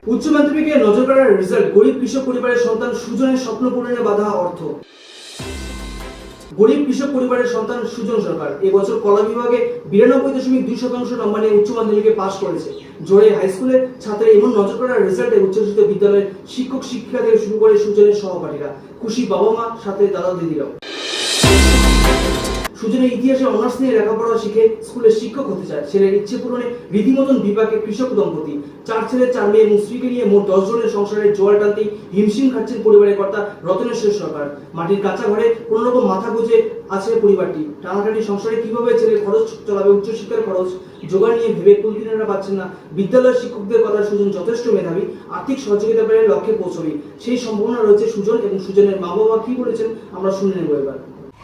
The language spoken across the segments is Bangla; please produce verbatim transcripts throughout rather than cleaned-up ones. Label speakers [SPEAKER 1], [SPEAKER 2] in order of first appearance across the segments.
[SPEAKER 1] উচ্চ মাধ্যমিকে নজর কাড়ার রেজাল্ট, গরিব কৃষক পরিবারের সন্তান সুজনের স্বপ্ন পূরণে বাধা অর্থ। গরিব কৃষক পরিবারের সন্তান সুজন সরকার এবছর কলা বিভাগে বিরানব্বই দশমিক দুই শতাংশ নম্বর নিয়ে উচ্চ মাধ্যমিকে পাশ করেছে। জোরে হাই স্কুলের ছাত্রের এমন নজর কাড়ার রেজাল্টে উচ্চশিক্ষিত বিদ্যালয়ের শিক্ষক শিক্ষিকা থেকে শুরু করে সুজনের সহপাঠীরা খুশি, বাবা মা সাথে দাদা দিদিরাও। সুজনের ইতিহাসে অনার্স নিয়ে লেখাপড়া শিখে স্কুলের শিক্ষক হতে চায়। ছেলের ইচ্ছে পূরণে রীতিমতন বিপাকে কৃষক দম্পতি। চার ছেলে চার মেয়ে এবং স্ত্রীকে নিয়ে মোট দশ জনের সংসারের জোয়ার টানতেই হিমশিম খাচ্ছেন পরিবারের কর্তা রতনেশ্বর সরকার। মাটির কাঁচা ঘরে কোন রকম মাথা গুঁজে আছে পরিবারটি। টানাটানি সংসারে কিভাবে ছেলে খরচ চালাবে, উচ্চশিক্ষার খরচ জোগাড় নিয়ে ভেবে কুলকিনারা পাচ্ছেন না। বিদ্যালয়ের শিক্ষকদের কথা, সুজন যথেষ্ট মেধাবী, আর্থিক সহযোগিতা পেলে লক্ষ্যে পৌঁছবে সেই সম্ভাবনা রয়েছে সুজন এবং সুজনের মা বাবা কি বলেছেন আমরা শুনে নেব এবার।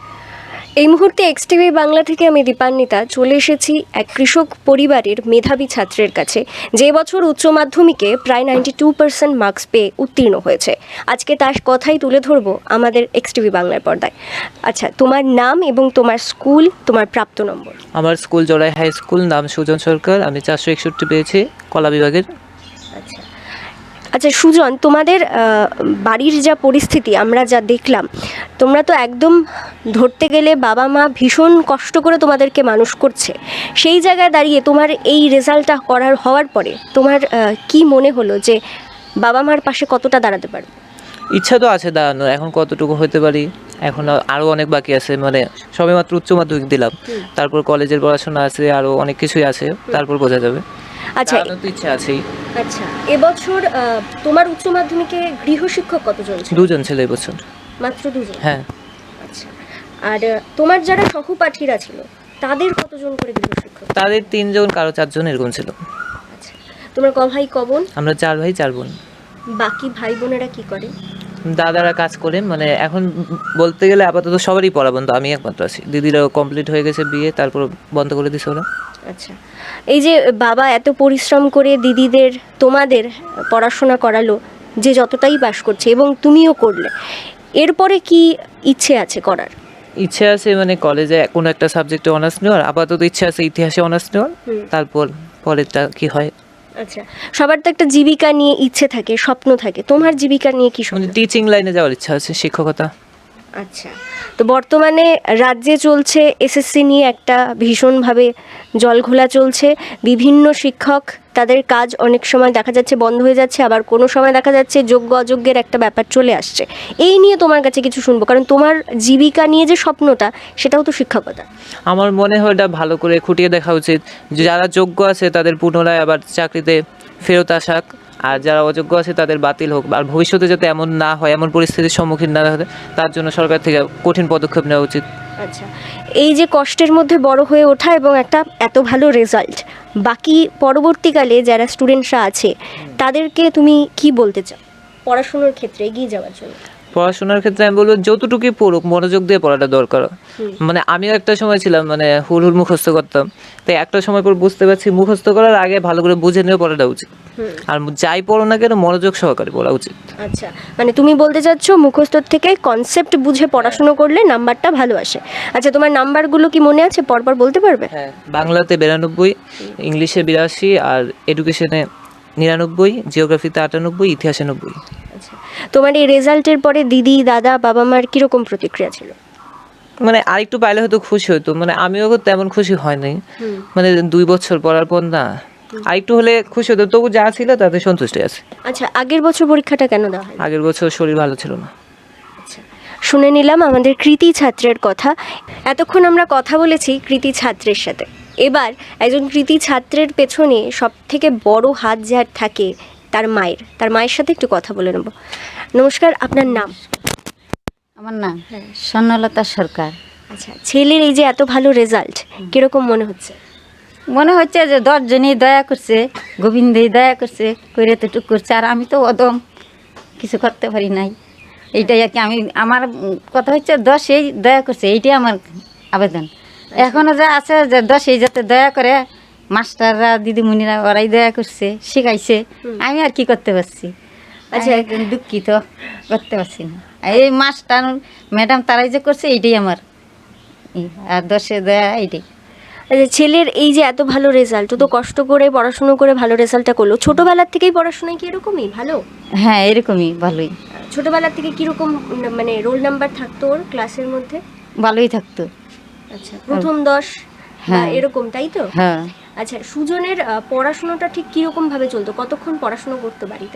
[SPEAKER 2] এই মুহূর্তে এক্স টিভি বাংলা থেকে আমি দীপান্বিতা চলে এসেছি এক কৃষক পরিবারের মেধাবী ছাত্রের কাছে, যে বছর উচ্চ মাধ্যমিকে প্রায় নাইনটি টু পার্সেন্ট মার্কস পেয়ে উত্তীর্ণ হয়েছে। আজকে তার কথাই তুলে ধরবো আমাদের এক্স টিভি বাংলার পর্দায়। আচ্ছা, তোমার নাম এবং তোমার স্কুল, তোমার প্রাপ্ত নম্বর।
[SPEAKER 3] আমার স্কুল জড়াই হাই স্কুল, নাম সুজন সরকার, আমি চারশো একষট্টি পেয়েছি কলা বিভাগের।
[SPEAKER 2] আচ্ছা আচ্ছা সুজন, তোমাদের বাড়ির যা পরিস্থিতি আমরা যা দেখলাম, তোমরা তো একদম ধরতে গেলে বাবা মা ভীষণ কষ্ট করে তোমাদেরকে মানুষ করছে। সেই জায়গায় দাঁড়িয়ে তোমার এই রেজাল্টটা করার হওয়ার পরে তোমার কি মনে হলো যে বাবা মার পাশে কতটা দাঁড়াতে পারবে?
[SPEAKER 3] ইচ্ছা তো আছে দাঁড়ানোর, এখন কতটুকু হতে পারি এখন আরও অনেক বাকি আছে। মানে সবে মাত্র উচ্চ মাধ্যমিক দিলাম, তারপর কলেজের পড়াশোনা আছে, আরও অনেক কিছুই আছে, তারপর বোঝা যাবে।
[SPEAKER 2] আচ্ছা,
[SPEAKER 3] তো ইচ্ছা আছেই।
[SPEAKER 2] আচ্ছা, এবছর তোমার উচ্চ মাধ্যমিকে গৃহশিক্ষক কতজন ছিল?
[SPEAKER 3] দুজন ছিল এবছর।
[SPEAKER 2] মাত্র দুজন?
[SPEAKER 3] হ্যাঁ।
[SPEAKER 2] আচ্ছা, আর তোমার যারা সহপাঠীরা ছিল তাদের কতজন করে গৃহশিক্ষক?
[SPEAKER 3] তাদের তিনজন, কারো চারজন এরকম ছিল।
[SPEAKER 2] আচ্ছা, তোমার ক ভাই ক বোন?
[SPEAKER 3] আমরা চার ভাই চার বোন।
[SPEAKER 2] বাকি ভাই বোনেরা কি করে?
[SPEAKER 3] দাদারা কাজ করে, মানে এখন বলতে গেলে আপাতত সবারই পড়া বন্ধ, আমি একমাত্র আছি। দিদিরাও কমপ্লিট হয়ে গেছে বিয়ে, তারপর বন্ধ করে দিছে ওরা।
[SPEAKER 2] আচ্ছা, এই যে বাবা এত পরিশ্রম করে দিদিদের তোমাদের পড়াশোনা করালো, যে যতটাই পাস করছে এবং তুমিও করলে, এরপরে কি ইচ্ছে আছে করার?
[SPEAKER 3] ইচ্ছে আছে মানে কলেজে কোনো একটা সাবজেক্টে অনার্স নেওয়ার, আপাতত ইচ্ছে আছে ইতিহাসে অনার্স নেওয়ার, তারপর পরেরটা কি হয়।
[SPEAKER 2] আচ্ছা, সবার তো একটা জীবিকা নিয়ে ইচ্ছে থাকে, স্বপ্ন থাকে, তোমার জীবিকা নিয়ে কি স্বপ্ন?
[SPEAKER 3] টিচিং লাইনে যাওয়ার ইচ্ছা আছে, শিক্ষকতা।
[SPEAKER 2] আচ্ছা, তো বর্তমানে রাজ্যে চলছে এসএসসি নিয়ে একটা ভীষণভাবে জলঘোলা চলছে। বিভিন্ন শিক্ষক তাদের কাজ অনেক সময় দেখা যাচ্ছে বন্ধ হয়ে যাচ্ছে, আবার কোনো সময় দেখা যাচ্ছে যোগ্য অযোগ্যের একটা ব্যাপার চলে আসছে। এই নিয়ে তোমার কাছে কিছু শুনবো, কারণ তোমার জীবিকা নিয়ে যে স্বপ্নটা, সেটাও তো শিক্ষকতা।
[SPEAKER 3] আমার মনে হয় এটা ভালো করে খুঁটিয়ে দেখা উচিত, যে যারা যোগ্য আছে তাদের পুনরায় আবার চাকরিতে ফেরত আসাক, আর যারা অযোগ্য আছে তাদের বাতিল হোক। আর ভবিষ্যতে যাতে এমন না হয়, এমন পরিস্থিতির সম্মুখীন না হয়, তার জন্য সরকার থেকে কঠিন পদক্ষেপ নেওয়া উচিত।
[SPEAKER 2] আচ্ছা, এই যে কষ্টের মধ্যে বড় হয়ে ওঠা এবং একটা এত ভালো রেজাল্ট, বাকি পরবর্তীকালে যারা স্টুডেন্টসরা আছে তাদেরকে তুমি কি বলতে চাও পড়াশোনার ক্ষেত্রে এগিয়ে যাওয়ার জন্য?
[SPEAKER 3] পড়াশোনার ক্ষেত্রে আমি বলবো যতটুকুই পড়ুক, মনোযোগ দিয়ে পড়াটা দরকার। মানে আমিও একটা সময় ছিলাম, মানে হুল হুল মুখস্থ করতাম, তাই একটা সময় পর বুঝতে পারছি মুখস্থ করার আগে ভালো করে বুঝে নিয়ে পড়াটা উচিত। আর যাই পড়ো না কেন মনোযোগ সহকারে পড়া উচিত।
[SPEAKER 2] আচ্ছা, মানে তুমি বলতে চাচ্ছ মুখস্থর থেকে কনসেপ্ট বুঝে পড়াশোনা করলে নাম্বারটা ভালো আসে। আচ্ছা, তোমার নাম্বারগুলো কি মনে আছে, পরপর বলতে পারবে?
[SPEAKER 3] হ্যাঁ, বাংলাতে বিরানব্বই, ইংলিশে বিরাশি, আর এডুকেশনে নিরানব্বই, জিওগ্রাফিতে আটানব্বই, ইতিহাসে নব্বই।
[SPEAKER 2] আচ্ছা, তোমার এই রেজাল্টের পরে দিদি, দাদা, বাবা মার কিরকম প্রতিক্রিয়া ছিল?
[SPEAKER 3] মানে আরেকটু পাইলে হয়তো খুশি হতো, মানে আমিও তেমন খুশি হয়নি। মানে দুই বছর পড়ার পর না, আরেকটু হলে খুশি হতো, তবু যা ছিল তাতে সন্তুষ্ট আছে।
[SPEAKER 2] আচ্ছা, আগের বছর পরীক্ষাটা কেন দেওয়া হয়?
[SPEAKER 3] আগের বছর শরীর ভালো ছিল না।
[SPEAKER 2] আচ্ছা, শুনে নিলাম আমাদের কৃতি ছাত্রের কথা। এতক্ষণ আমরা কথা বলেছি কৃতি ছাত্রের সাথে। এবার একজন কৃতি ছাত্রের পেছনে সব থেকে বড় হাত যার থাকে তার মায়ের, তার মায়ের সাথে একটু কথা বলে নেব। নমস্কার, আপনার নাম?
[SPEAKER 4] আমার নাম স্বর্ণলতা সরকার।
[SPEAKER 2] আচ্ছা, ছেলের এই যে এত ভালো রেজাল্ট, কিরকম মনে হচ্ছে?
[SPEAKER 4] মনে হচ্ছে যে দশজনই দয়া করছে, গোবিন্দই দয়া করছে, করে তো টুক করছে, আর আমি তো অদম, কিছু করতে পারি নাই। এইটাই আর কি, আমি আমার কথা হচ্ছে দশেই দয়া করছে, এইটাই আমার আবেদন। এখনও যা আছে যে দশেই যাতে দয়া করে, মাস্টাররা দিদিমণিরা ওরাই দয়া করছে, শিখাইছে, আমি আর কি করতে পারছি। আচ্ছা, একজন দুঃখিত, করতে পারছি না। এই মাস্টার ম্যাডাম তারাই যে করছে এইটাই আমার, আর দশে দয়া এইটাই।
[SPEAKER 2] আচ্ছা, ছেলের এই যে এত ভালো রেজাল্ট, ও তো কষ্ট করে পড়াশুনো করে ভালো রেজাল্টটা করলো, ছোটবেলার থেকেই পড়াশোনায় কি এরকমই ভালো?
[SPEAKER 4] হ্যাঁ এরকমই ভালোই,
[SPEAKER 2] ছোটবেলার থেকে কিরকম উম, মানে রোল নাম্বার থাকতো ওর ক্লাসের মধ্যে?
[SPEAKER 4] ভালোই থাকতো।
[SPEAKER 2] আচ্ছা, প্রথম দশ বা
[SPEAKER 4] হ্যাঁ।
[SPEAKER 2] এরকম, তাই তো?
[SPEAKER 4] হ্যাঁ
[SPEAKER 2] আচ্ছা, সুজনের আহ, পড়াশোনাটা ঠিক কিরকম ভাবে চলতো? কতক্ষণ পড়াশোনা করতো বাড়িতে?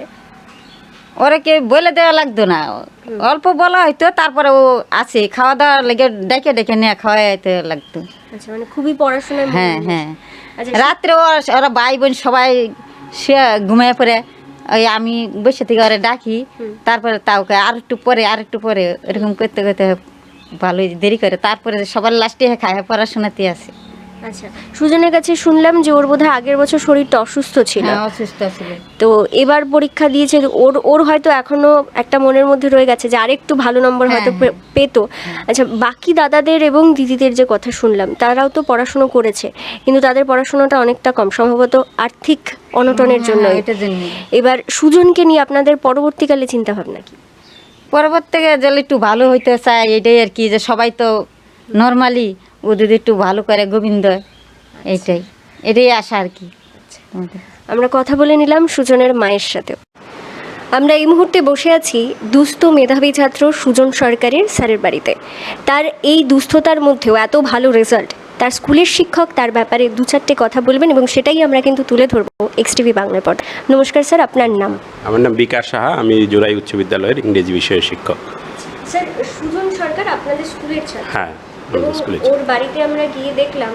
[SPEAKER 4] ওরা কে বলে দেওয়া লাগতো না, অল্প বলা হয়তো, তারপরে ও আছে খাওয়া দাওয়া লেগে ডেকে ডেকে নিয়ে খাওয়াইতে লাগতো।
[SPEAKER 2] আচ্ছা, মানে খুবই পড়াশোনায় মন
[SPEAKER 4] হ্যাঁ
[SPEAKER 2] দিত।
[SPEAKER 4] হ্যাঁ।
[SPEAKER 2] আচ্ছা,
[SPEAKER 4] রাত্রে ওরা ওরা ভাই বোন সবাই সে ঘুমিয়ে পড়ে, ওই আমি বসে থেকে ওরা ডাকি, তারপরে তাওকে আর একটু পরে আর একটু পরে এরকম করতে করতে ভালোই দেরি করে, তারপরে সবার লাস্টে খায় পড়াশোনাতে আসে।
[SPEAKER 2] আচ্ছা, সুজনের কাছে শুনলাম যে ওর বোধহয় আগের বছর শরীরটা অসুস্থ ছিল,
[SPEAKER 4] হ্যাঁ অসুস্থ ছিল।
[SPEAKER 2] তো এবার পরীক্ষা দিয়েছে, ওর ওর হয়তো এখনো একটা মনের মধ্যে রয়ে গেছে যে আরেকটু ভালো নম্বর হয়তো
[SPEAKER 4] হ্যাঁ,
[SPEAKER 2] পে- পেতো। আচ্ছা, বাকি দাদাদের এবং দিদিদের যে কথা শুনলাম, তারাও তো পড়াশুনো করেছে, কিন্তু তাদের পড়াশোনাটা অনেকটা কম, সম্ভবত আর্থিক অনটনের জন্য।
[SPEAKER 4] হ্যাঁ, এটার জন্য
[SPEAKER 2] এবার সুজনকে নিয়ে আপনাদের পরবর্তীকালে চিন্তা ভাবনা কি?
[SPEAKER 4] পরবর্তীতে যদি একটু ভালো হইতে চায়, এটাই আর কি, যে সবাই তো নর্মালি, ও যদি একটু ভালো করে গোবিন্দ, এইটাই এটাই আশা আর কি আমাদের।
[SPEAKER 2] আমরা কথা বলে নিলাম সুজনের মায়ের সাথেও। আমরা এই মুহূর্তে বসে আছি দুস্থ মেধাবী ছাত্র সুজন সরকারের স্যারের বাড়িতে। তার এই দুস্থতার মধ্যেও এত ভালো রেজাল্ট, তার স্কুলের শিক্ষক তার ব্যাপারে দু চারটে কথা বলবেন এবং সেটাই আমরা কিন্তু তুলে ধরবো এক্স টিভি বাংলার পর। নমস্কার স্যার, আপনার নাম?
[SPEAKER 5] আমার নাম বিকাশ সাহা, আমি জোড়াই উচ্চ বিদ্যালয়ের ইংরেজি বিষয়ের শিক্ষক।
[SPEAKER 2] স্যার, সুজন সরকার আপনাদের স্কুলের ছাত্র,
[SPEAKER 5] হ্যাঁ,
[SPEAKER 2] এবং
[SPEAKER 5] আমাদের স্কুলে।
[SPEAKER 2] ওর বাড়িতে আমরা গিয়ে দেখলাম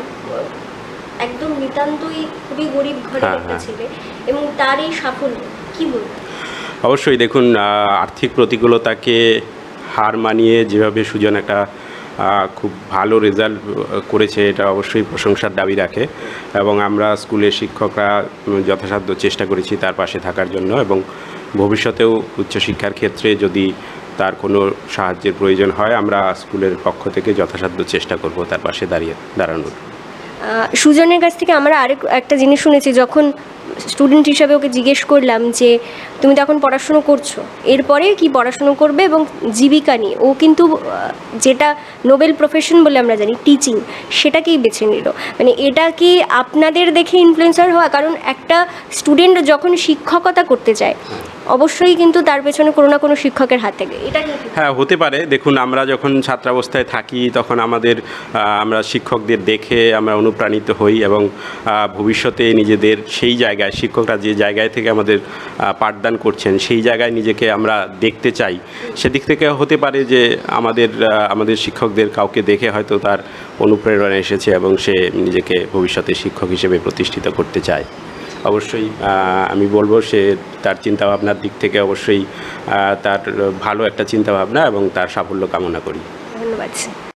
[SPEAKER 2] একদম নিতান্তই খুবই গরিব ঘরের
[SPEAKER 5] হ্যাঁ,
[SPEAKER 2] একটা
[SPEAKER 5] হ্যাঁ।
[SPEAKER 2] ছেলে, এবং তার এই সাফল্য কি বলবো?
[SPEAKER 5] অবশ্যই দেখুন, আহ, আর্থিক প্রতিকূলতাকে হার মানিয়ে যেভাবে সুজন একটা আহ, খুব ভালো রেজাল্ট করেছে, এটা অবশ্যই প্রশংসার দাবি রাখে, এবং আমরা স্কুলের শিক্ষকরা উম, যথাসাধ্য চেষ্টা করেছি তার পাশে থাকার জন্য, এবং ভবিষ্যতেও উচ্চশিক্ষার ক্ষেত্রে যদি তার কোনো সাহায্যের প্রয়োজন হয়, আমরা স্কুলের পক্ষ থেকে যথাসাধ্য চেষ্টা করব তার পাশে দাঁড়িয়ে দাঁড়ানোর।
[SPEAKER 2] আহ, সুজনের কাছ থেকে আমরা আরেক একটা জিনিস শুনেছি, যখন স্টুডেন্ট হিসাবে ওকে জিজ্ঞেস করলাম যে তুমি তো এখন পড়াশুনো করছো, এরপরে কি পড়াশুনো করবে এবং জীবিকা নিয়ে, ও কিন্তু আহ, যেটা নোবেল প্রফেশন বলে আমরা জানি, টিচিং, সেটাকেই বেছে নিল। মানে এটা কি আপনাদের দেখে ইনফ্লুয়েন্সার হওয়া? কারণ একটা স্টুডেন্ট যখন শিক্ষকতা করতে চায়, অবশ্যই কিন্তু তার পেছনে কোনো না কোনো শিক্ষকের হাত থাকে, এটা কি?
[SPEAKER 5] হ্যাঁ, হতে পারে। দেখুন, আমরা যখন ছাত্রাবস্থায় থাকি তখন আমাদের আহ, আমরা শিক্ষকদের দেখে আমরা অনুপ্রাণিত হই, এবং আহ, ভবিষ্যতে নিজেদের সেই জায়গায়, শিক্ষকরা যে জায়গায় থেকে আমাদের আহ, পাঠদান করছেন সেই জায়গায় নিজেকে আমরা দেখতে চাই। সেদিক থেকে হতে পারে যে আমাদের আহ, আমাদের শিক্ষকদের কাউকে দেখে হয়তো তার অনুপ্রেরণা এসেছে এবং সে নিজেকে ভবিষ্যতে শিক্ষক হিসেবে প্রতিষ্ঠিত করতে চায়। অবশ্যই আহ, আমি বলবো সে তার চিন্তাভাবনার দিক থেকে অবশ্যই আহ, তার ভালো একটা চিন্তাভাবনা, এবং তার সাফল্য কামনা করি।
[SPEAKER 2] ধন্যবাদ স্যার।